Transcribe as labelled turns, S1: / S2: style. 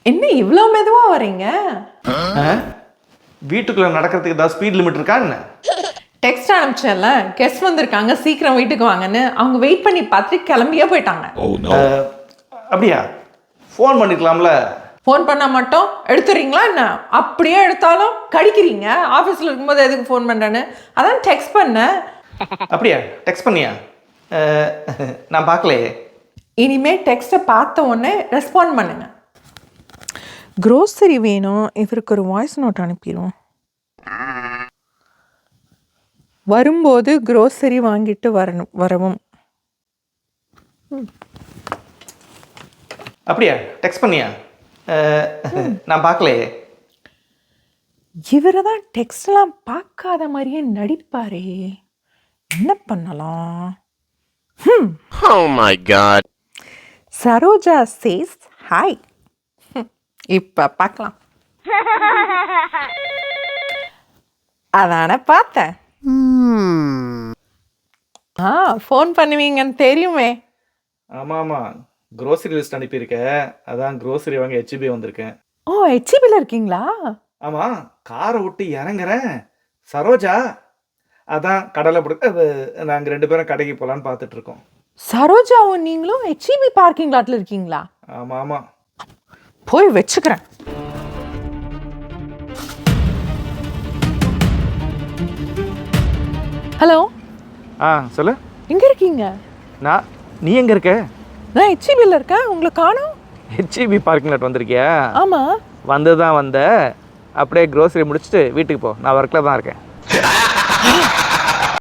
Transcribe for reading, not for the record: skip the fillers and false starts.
S1: என்ன இவ்வளோ மெதுவாக வரீங்க?
S2: வீட்டுக்குள்ளே நடக்கிறதுக்கு ஏதாவது ஸ்பீட் லிமிட் இருக்கா என்ன?
S1: டெக்ஸ்ட் அனுப்பிச்சேன்ல, கெஸ்ட் வந்திருக்காங்க சீக்கிரம் வீட்டுக்கு வாங்கன்னு. அவங்க வெயிட் பண்ணி பார்த்துட்டு கிளம்பியே போயிட்டாங்க.
S2: அப்படியா? ஃபோன் பண்ணிக்கலாம்ல.
S1: ஃபோன் பண்ணால் மட்டும் எடுத்துறீங்களா என்ன? அப்படியே எடுத்தாலும் கடிக்கிறீங்க. ஆஃபீஸில் இருக்கும்போது எதுக்கு ஃபோன் பண்ணுறேன்னு அதான் டெக்ஸ்ட் பண்ணேன்.
S2: அப்படியா? டெக்ஸ்ட் பண்ணியா? நான் பார்க்கலையே.
S1: இனிமேல் டெக்ஸ்ட்டை பார்த்த உடனே ரெஸ்பாண்ட் பண்ணுங்க. க்ரோசரி வேணும், இவருக்கு ஒரு வாய்ஸ் நோட் அனுப்பிடுவோம். வரும்போது க்ரோசரி வாங்கிட்டு வரவும்.
S2: அப்படியா? டெக்ஸ்ட் பண்ணியா? நான் பார்க்கலையே.
S1: இவரை தான் டெக்ஸ்ட்லாம் பார்க்காத மாதிரியே நடிப்பாரே, என்ன பண்ணலாம்?
S3: Oh my god.
S1: சரோஜா சேஸ் ஹாய். இப்போ பார்க்கலாம். அதான பார்த்தேன். ஃபோன் பண்ணுவீங்கன்னு தெரியுமே.
S2: ஆமாம், க்ரோசரி லிஸ்ட் அனுப்பியிருக்க. அதான் க்ரோசரி வாங்க ஹெச்பி வந்திருக்கேன்.
S1: ஓ, ஹெச்பியில் இருக்கீங்களா?
S2: ஆமாம், காரை விட்டு இறங்குறேன். சரோஜா அதான் கடலை பிடிக்க நாங்கள் 2 பேரும் கடைக்கு போகலான்னு பார்த்துட்டு இருக்கோம்.
S1: சரோஜாவும் நீங்களும் ஹெச்பி பார்க்கிங் லாட்டில் இருக்கீங்களா?
S2: ஆமாம்.
S1: போய் வச்சுக்கிறேன். ஹலோ,
S2: சொல்லு.
S1: எங்கே இருக்கீங்க?
S2: நீ எங்கே இருக்க?
S1: நான் ஹெச்பியில் இருக்கேன். உங்களை காணோம்.
S2: ஹெச்பி பார்க்கிங் லாட் வந்திருக்கியா?
S1: ஆமாம்.
S2: வந்து தான் வந்த. அப்படியே க்ரோசரி முடிச்சுட்டு வீட்டுக்கு போ. நான் ஒர்க்கில் தான் இருக்கேன்.